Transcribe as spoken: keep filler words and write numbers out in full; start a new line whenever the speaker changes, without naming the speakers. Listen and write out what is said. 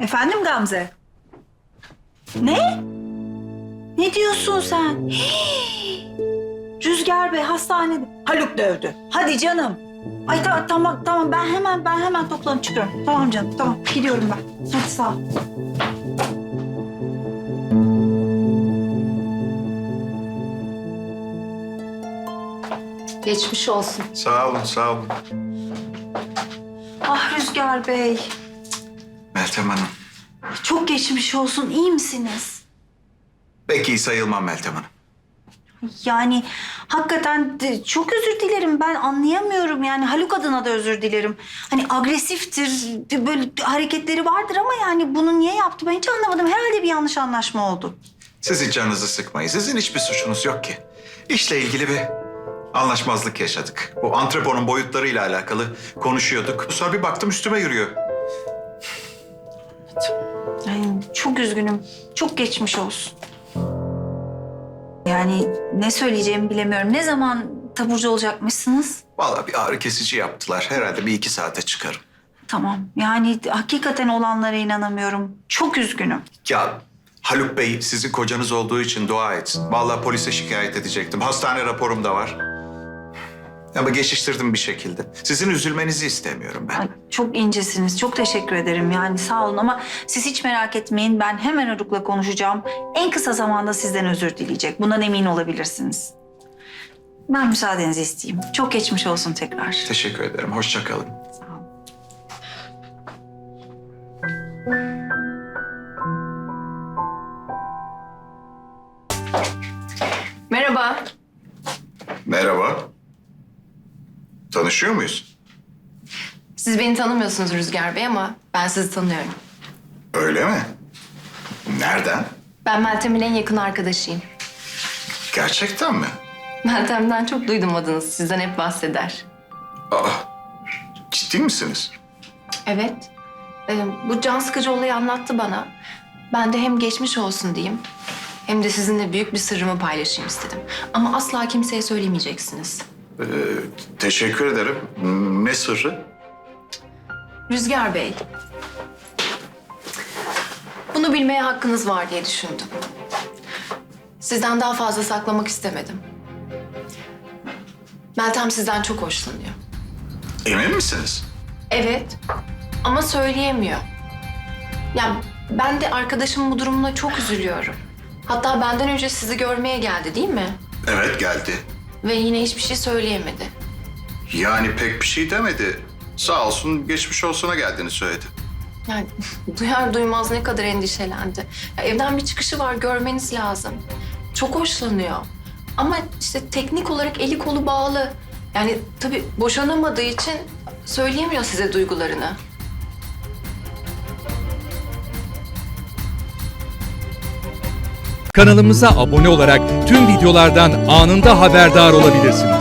Efendim Gamze? Ne? Ne diyorsun sen? Hii! Rüzgar Bey hastanede. Haluk dövdü. Hadi canım. Ay ta- tamam tamam ben hemen ben hemen toplanıp çıkıyorum. Tamam canım tamam gidiyorum ben. Hadi sağ ol.
Geçmiş olsun.
Sağ olun, sağ olun.
Ah Rüzgar Bey.
Meltem Hanım.
Çok geçmiş olsun. İyi misiniz?
Pek iyi sayılmam Meltem Hanım.
Yani hakikaten de çok özür dilerim. Ben anlayamıyorum yani Haluk adına da özür dilerim. Hani agresiftir, böyle hareketleri vardır ama yani bunu niye yaptı ben hiç anlamadım. Herhalde bir yanlış anlaşma oldu.
Siz hiç canınızı sıkmayın. Sizin hiçbir suçunuz yok ki. İşle ilgili bir anlaşmazlık yaşadık. Bu antreponun boyutlarıyla alakalı konuşuyorduk. Sonra bir baktım üstüme yürüyor.
Yani çok üzgünüm. Çok geçmiş olsun. Yani ne söyleyeceğimi bilemiyorum. Ne zaman taburcu olacakmışsınız?
Vallahi bir ağrı kesici yaptılar. Herhalde bir iki saate çıkarım.
Tamam. Yani hakikaten olanlara inanamıyorum. Çok üzgünüm.
Ya Haluk Bey sizin kocanız olduğu için dua etsin. Vallahi polise şikayet edecektim. Hastane raporum da var. Ama geçiştirdim bir şekilde. Sizin üzülmenizi istemiyorum ben.
Ay, çok incesiniz. Çok teşekkür ederim. Yani sağ olun ama siz hiç merak etmeyin. Ben hemen Haluk'la konuşacağım. En kısa zamanda sizden özür dileyecek. Bundan emin olabilirsiniz. Ben müsaadenizi isteyeyim. Çok geçmiş olsun tekrar.
Teşekkür ederim. Hoşça kalın.
Sağ olun.
Merhaba.
Merhaba. Tanışıyor muyuz?
Siz beni tanımıyorsunuz Rüzgar Bey ama ben sizi tanıyorum.
Öyle mi? Nereden?
Ben Meltem'in en yakın arkadaşıyım.
Gerçekten mi?
Meltem'den çok duydum adınızı. Sizden hep bahseder.
Aa, ciddi misiniz?
Evet. Ee, bu can sıkıcı olayı anlattı bana. Ben de hem geçmiş olsun diyeyim hem de sizinle büyük bir sırrımı paylaşayım istedim. Ama asla kimseye söylemeyeceksiniz.
Ee, teşekkür ederim. Ne sırrı?
Rüzgar Bey. Bunu bilmeye hakkınız var diye düşündüm. Sizden daha fazla saklamak istemedim. Meltem sizden çok hoşlanıyor.
Emin misiniz?
Evet ama söyleyemiyor. Ya ben de arkadaşımın bu durumuna çok üzülüyorum. Hatta benden önce sizi görmeye geldi değil mi?
Evet geldi.
Ve yine hiçbir şey söyleyemedi.
Yani pek bir şey demedi. Sağ olsun geçmiş olsuna geldiğini söyledi.
Yani duyar duymaz ne kadar endişelendi. Ya, evden bir çıkışı var görmeniz lazım. Çok hoşlanıyor. Ama işte teknik olarak eli kolu bağlı. Yani tabii boşanamadığı için söyleyemiyor size duygularını.
Kanalımıza abone olarak tüm videolardan anında haberdar olabilirsiniz.